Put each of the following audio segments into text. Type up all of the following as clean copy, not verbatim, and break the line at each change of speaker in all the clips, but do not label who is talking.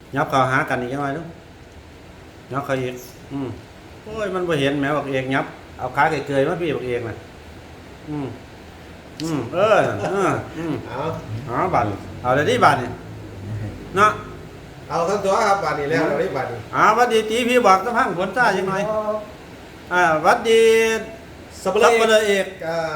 ยับเข้าหากันอีกจังไงลูกยับเข้าอีกโอ้ยมันบ่เห็นแหมบักเอกยับเอาขาเกยๆมาพี่บักเอกน่ะเอาบัดเอาได้ที่บัดนี่เนาะ
เอาทั้งตัวครับบัดนี้แล้วเราได้บัดนี้
วัดดีตีพี่บอกจะพังผลซ่าจังหน่อยวัดดีสับเปลือเอก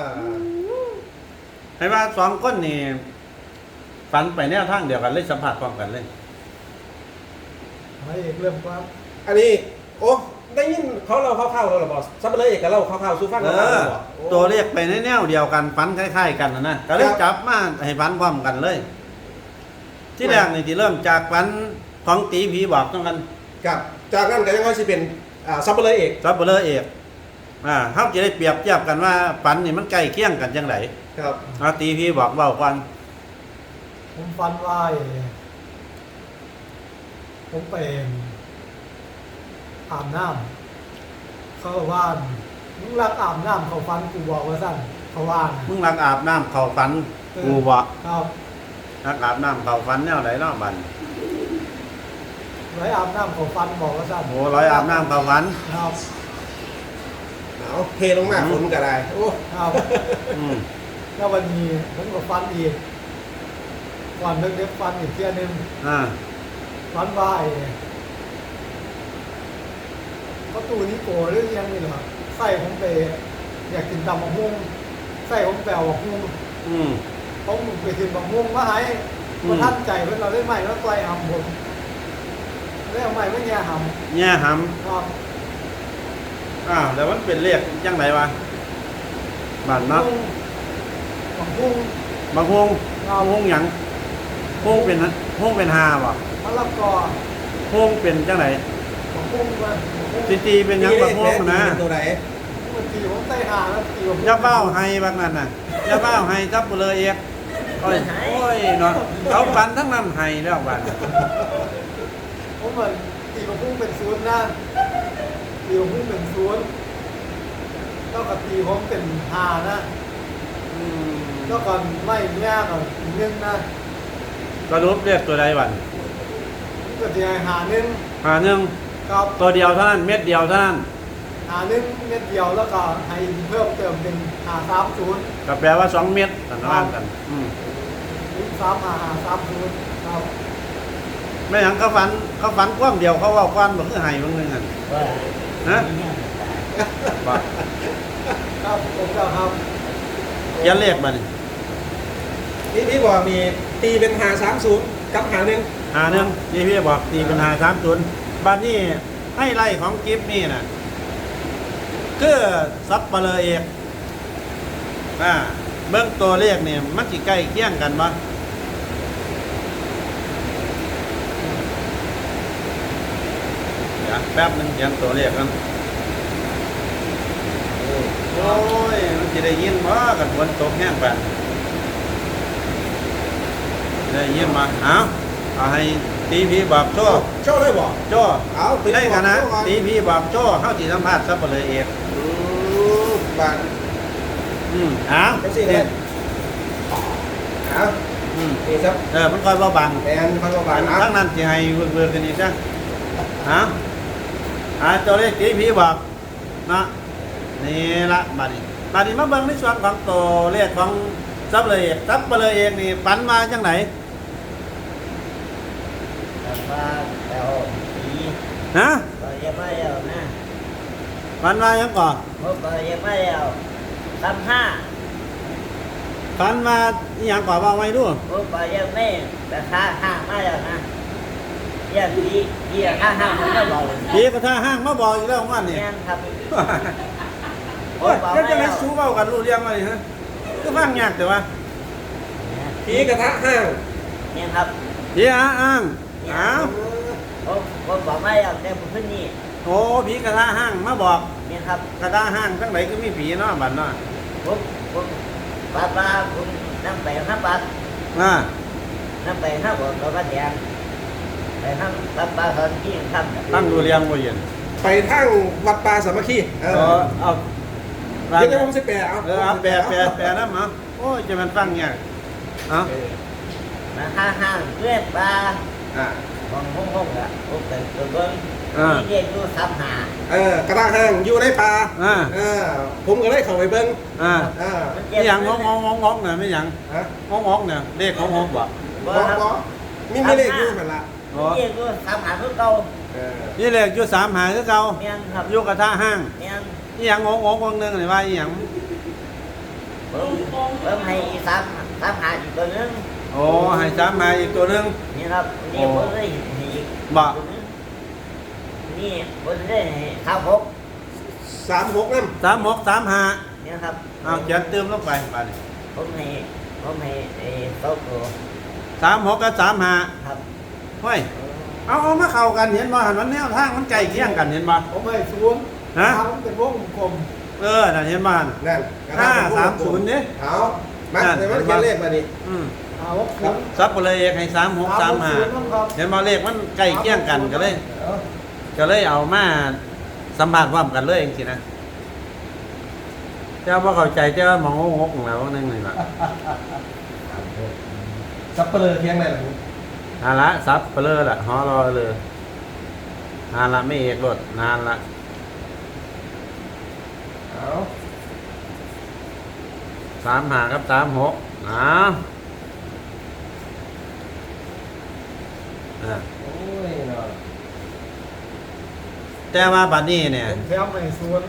ให้ว่าสองคนนี่ฝันไปแนวทางเดียวกันเลยสัมผัสพร้อมกันเลย
ให้เอกเริ่มครับ
อันนี้โอ้ได้ยินเขาเราเข้าๆเราหรอบอกสับเปลือเอกกับเราเข้าๆสู้ฟังเรา
ตัวเลขไปในแนวเดียวกันฝันคล้ายๆกันนะก็เลยจับมาให้ฝันพร้อมกันเลยที่แรกนี่ที่เริ่มจากฝันของตีผีบอกต้องกัน
กับจากนั้นก็ยังว่าสิเป็นสับเปลือเอก
เขาจะได้เปรียบเทียบกันว่าฝันนี่มันใกล้เคียงกันจังไร
ครับ
ตีผีบอกเบาควัน
ผมฟันว่าผมไปอาบน้ำเขาว่ามึงรักอาบน้ำเขาฟันกูบอกว่าสั้นเขาว่า
มึงรักอาบน้ำเขาฝันกูบอก
ครับ
รักอาบน้ำเขาฝันแนวไหนเนาะบัน
ร้อยอาบน้ำเขาฟันบอกว่าสั้น
โอ้ร้อยอาบน้ำเขาฝัน
ครับ
เอาเทลงมาฝนก็ได้โอ้
ครับแล้ววันนี้ผมก็ฟันอีกก่อนเล็กๆฟันอีกเที่ยนึงฟันว่าประตูนี้โกเรื่องยังนี่เหรอใส่ผมไปอยากกินตำมะม่วงใส่ผมแปลว่าม่วงผมไปกินมะม่วงมาให้มาท่านใจเพื่อนเราได้ใหม่แล้วไกลหำผมได้เอาใหม่ไม่แง่หำครับ
แต่มันเป็นเรียกยังไงวะบ้านนัก
บางพุ่ง
หยังพุ่งเป็นหาบ่
มะละกอ
พุ่งเป็นจังไหน
บางพุ่งมัน
ตีเป็นยังบางพุ่งนะ
ตัวไหน
มันตีผมใส่หาแล้วตีผม
ย่าเบ้าให้บางนั้นน่ะย่าเบ้าให้จับเลยเอกโอ้ยเนาะเขาฟันทั้งนั้นให้แล้วบ้าน
ผมเหมือนตีบางพุ่งเป็นศูนย์นะตีผมเป็นศูนย์เท่ากับตีผมเป็นหานะเท่ากับไม่ยากกับ1นะ
ก็รูปเรียกตัวใดวัน
ก็จะหา1
ครับตัวเดียวเท่านั้นเม็ดเดียวเท่านั้น
หา1เม็ดเดียวแล้วก็ให้เพิ่มเติมเป็น530
ก็แปลว่า2เม็ดต่างกัน
330ครับ
ไม่อย่างเขาฝันกว้างเดียวเขาว่าก้อนแบบคือไห้บางนึงอ่ะนะบ่
ครับผมก็ครับ
เขียนเลขมา
นี่พี่บอกมีตีเป็น530กับ51
นี่พี่บอกตีเป็น530บัดนี้ให้ไล่ของกิฟต์นี่น่ะคือซับเปลือเอกเบื้องตัวเลขเนี่ยมันสิใกล้เคียงกันบ่แป๊บนึงเขียนตัวเลขกันโอ้ยมันจะได้ยินว่ากันฝนตกแห้งไปได้ยินมาเอาให้ตีพีบอกโจ้
ได้บอก
โจ้เอาได้กันนะตีพีบอกโจ้เข้าที่สัมภาษณ์ซับเลยเอก
บ้าน
เป็น
สิเนี่ยนี่ครับ
มันคอยเบาบัง
แอนคอยเบาบัง
ทั้งนั้นจะให้เบื่อกันอีกจ้ะตัวเลขตีพีบอกนะนี่ละบัดนี้มาเบิ่งในส่วนของตัวเลขของซับเลยเอกนี่ฝันมาจังไหน
ว่าแล้ว
นะ
ก็ยังไม่แล้วนะ
ฝันมายังก่อน
ก็ยังไม่แล้ว
ฝันมาอย่างก่อนว่าไว้ด้วย
ก็ยังไม่แต่ห้างไม่แล้วนะยังดีห้างมันก็บอก
ดีก็ห้างมาบอกอยู่แล้วว่านี่
ครับ
โอ้ยจะไม่สู้เบ้ากันรู้เรื่องอะไรฮะก็ฟังยากแต่ว่า
ผีกระทะห้าง
เนี่ยครับ
ผีห้าง
ผมบอกไม่แล้วแต่ผมเพิ่งนี่
โอ้ผีกระทะห้างมาบอก
เนี่ยครับ
กระทะห้างทั้งไหนก็มีผีเนาะบัดเนาะ
ผมป้าผมนั่งไปห้าบาทนั่งไปห้าบาทเราก็แดงไปห้างป้าตอนที่ยังทำ
ตั้งดูเรียงบ่เย็น
ไปทั้งวัดป่าสามัคคี
เอา
เดี๋ยวผมจะแปล
แปลนะมั้งโอ้ยจะมันฟังยาก
มาห้างเพื่อนปลาของห้องละผมเป็นตัวเบิ้งนี่เรียกดูซ้ำหาก
ระด้างห้างอยู่ในป่า ผมก็เลยเข้าไปเบิ่ง
ไม่หยังงอกเนี่ยไม่หยัง
ฮะ
งอกเนี่ยเลขงอกบ่
บ่ครับ
บ่มีเลขอยู่หั่นล่ะ
เรียกดูซ้ำหาคือเก่า
นี่เลขอยู่3หาคือเก่า
แม่นครับ
อยู่กระทะห้าง
แม่น
นี่หยังงอกนึงนี่ว่าอีหยัง
เบิ่งให้ซ้ำหาอีกตัวนึง
โอ้ให้3หาอีกตัวนึง
นี่ครับนี่ผมได้ให้อีก
บ่
ตัวนึงนี่ผมได้ให้ข้าวหก
36นำ
36 3หา
นี่ครับ
เอาเขียนเติมลงไปบัดนี้
ผมให้โต๊ะตัว
36กับ3หา
ครับ
เฮ้ยเอามาเข้ากันเห็นบ่หันมันแนวทางมันใกล้เคียงกันเห็นบ่
ผมให้ศูนย์
ฮะ
ผมเป็นวงกลม
นั่นเห็นบ่หั่น
นั่น
530นี่
เอามาเดี๋ยวมันเขียนเลขมาดิ
เอาศูนย์
ซับไปเลยให้36 3หาเห็นบ่เลขมันใกล้เคียงกันก็เลยเอามาสัมภาษณ์พร้อมกันเลยจังซี่นะเจ้าบ่เข้าใจเจ้ามองงกๆแล้วนึงนี่ล่ะ
สับเปลือเที่ยงไหนล่ะผม
นานละซับไปเลยล่ะฮอรอเลยนานละไม่เอกรถนานละ
เอา
3หากับ36
โอ้ยเนาะ
แต่ว่าบัดนี้เนี่ย
ผมแถมให้ศูนย์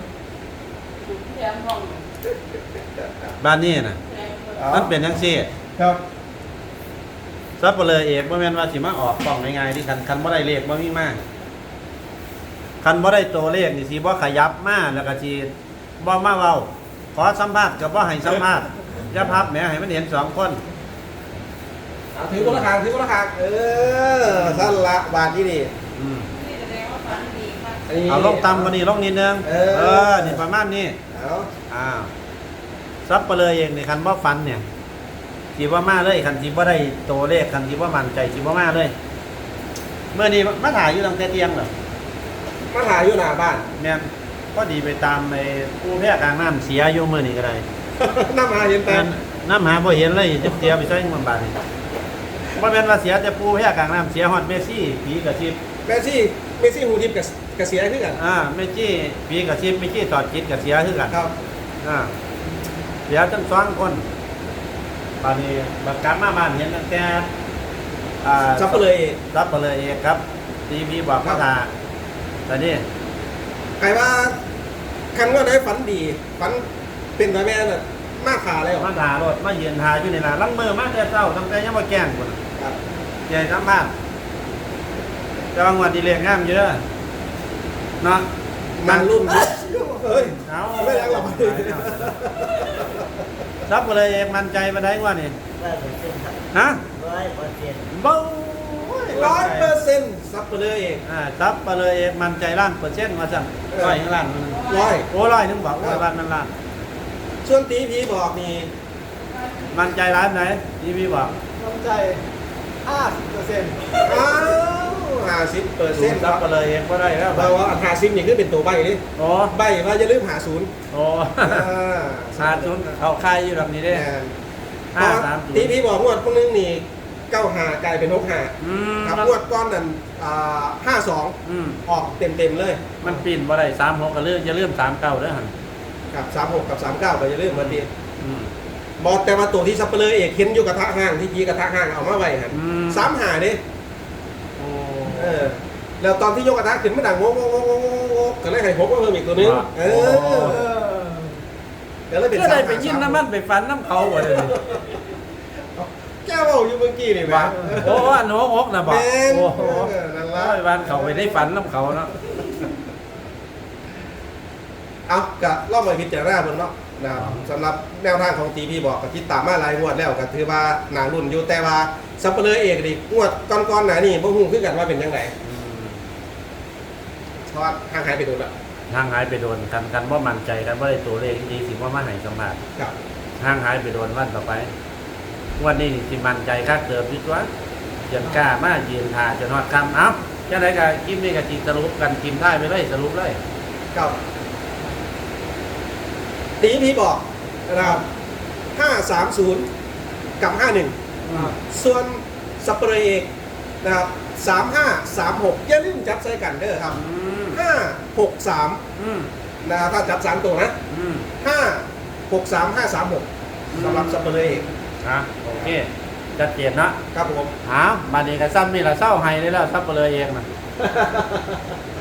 บัดนี้น่ะมันเป็นจังซี่
ครับ
ซับไปเลยเอกบ่แม่นว่าสิมาออกกล่องง่ายๆที่คันบ่ได้เลขบ่มีมาคันบ่ได้ตัวเลขนี่สิบ่ขยับมาแล้วก็สิบ่มาเว้าขอสัมภาษณ์ก็บ่ให้สัมภาษณ์อย่าพับแหมให้มันเห็น2คน
เอาถือคนละคางสั้นละบาทที่นี่
อืม
อันนี้
เอาลงต่ำกว่านี้ลงนิดนึงนี่ประมาณนี้
เอา
อ้าวซับไปเลยเองนี่คันบ่ฟันเนี่ยสิบ่มาเลยคันสิบ่ได้ตัวเลขคันสิบ่มั่นใจสิบ่มาเลยเมื่อนี้มาถ่ายอยู่ตั้งแต่เที่ยงเหรอ
มาถ่ายอยู่หน้าบ้าน
แม่นก็ดีไปตามไอ้ผู้แพร่กลางน้ำเสียอยู่มื้อนี้ก็ได้
น้ำมาเห็นแต่
น้ำหาบ่เห็นเลยจะเสียไปใช้เงินบาทนี่บ่แม่นว่าเสียแต่ผู้แพร่กลางน้ำเสียฮอดเมสซี่ผีกระซิบ
เมซี่หูทิพย์กับเสียขึ้นกัน
เมสซี่ผีกระซิบเมสซี่ตอดจิตก็เสียคือกัน
ครับ
เสียทั้งสองคนตอนนี้บัดกลับมาบ้านเห็นตั้งแต่
ซับไปเลย
รับไปเลยเองครับทีพีบอกมาถ่าตอนนี้
ใครว่าคันว่าได้ฝันดีฝันเป็นแบบแม่น่ะมาขาเลยเหรอ
มาถ่ารถมายืนถ่ายอยู่ในร้านลังมือมาแต่เช้าตั้งแต่ยังมาแกล้งคน
ครับ
ใหญ่ทั้งบ้านจะบางวันดีเรียงงามเยอะเนาะ
มันรุ่นเฮ้ย
เอา
ไม่ได้หรอก
รับไปเลยเองมั่นใจมาได้ว่านี่
100%ครับ
ฮะ
100%
เบ้า
100%ซับไปเลยเอง
รับไปเลยเองมั่นใจล้านเปอร์เซ็นต์ว่าสั่งร้อยล้านมัน
ร้อย
โอ้ร้อยนึงบอกว่าล้านมันล้าน
ส่วนตีพีบอกนี่
มั่นใจร้านไหนทีพีบอก
น้ำใจ50%
อ้าว50%ค
รั
รั
บบ ไปเลยเองก็ได้แล้ว
เราว่า50นี่คือเป็นตัวใบนี่
โอ้
ใบว่าจะลืม50
โอ้ขาดทุนเขาค่ายอยู่แบบนี้ได้
ตีพีบอกงวดพวกนึงนี่95กลายเป็น65 ครับงวดก้อนนั้น52ออกเต็มเลย
มันปีนบ่ได้36ก็เลื่อนจะเลื่อน39เด้อหั่น
กับ36กับ39ก็จะลืมมาดีบอกแต่ว่าตัวที่ซับเปลือเอกเห็นอยู่กระทะห้างที่ยีกระทะห้างเอามาไว้ฮะ35ดิ
โอ้
แล้วตอนที่ยกกระทะขึ้นมันดังโง่ก็เลยให้พกมาเพิ่มอีกตัวนึงก็เลยเป็น
ก็ได้ไปยินน้ำมันไปฟันน้ำเขาบ่เลย
แก้วเอาอยู่เมื่อกี้นี่แหม
โอ้อันหัวอกนะบอก
แม่น
โอ้โห
นั่น
ร้
ละ
อยวันเขาไปได้ฝันน้ำเขาเนาะ
เอากะรอบไปพิจารณาบนเนาะนะครับสำหรับแนวทางของตีพีบอกกับที่ตามมาหลายงวดแล้วก็ถือว่าหนารุ่นอยู่แต่ว่าซับเปลือเอกดิงวดก้อนๆหนานี่บ่ฮู้คือกันว่าเป็นยังไงเพราะว่าห่างหายไปโดนละ
ห่างหายไปโดนกันว่ามั่นใจกันว่าได้ตัวเลขดีสิว่ามาให้สมบัติ
ครับ
ห่างหายไปโดนวันต่อไปวันนี้สิมั่นใจค่าเติมดีกว่าจนกล้ามายืนทาจนฮอดคำเอ้าจะไหนกับกิมนี่กับจีสรุปกันกิมได้ไปเลยสรุปเลย
ครับตีพีบอกนะครับ530กับ51ส่วนซัปเปอร์เอกนะครับ 3536อย่าลืมจับใส่กันเด้อครับ
อืม
563
อืม
นะครับถ้าจับ3ตัวนะ
อืม
563536สำหรับสัปเหร่อเอก
อ่ะโอเคชัดเจนนะครับ
ผม
หามาดีกับซ้ำนี่ละเศร้าไห้เลยแล้วซับเปลือยเองนะ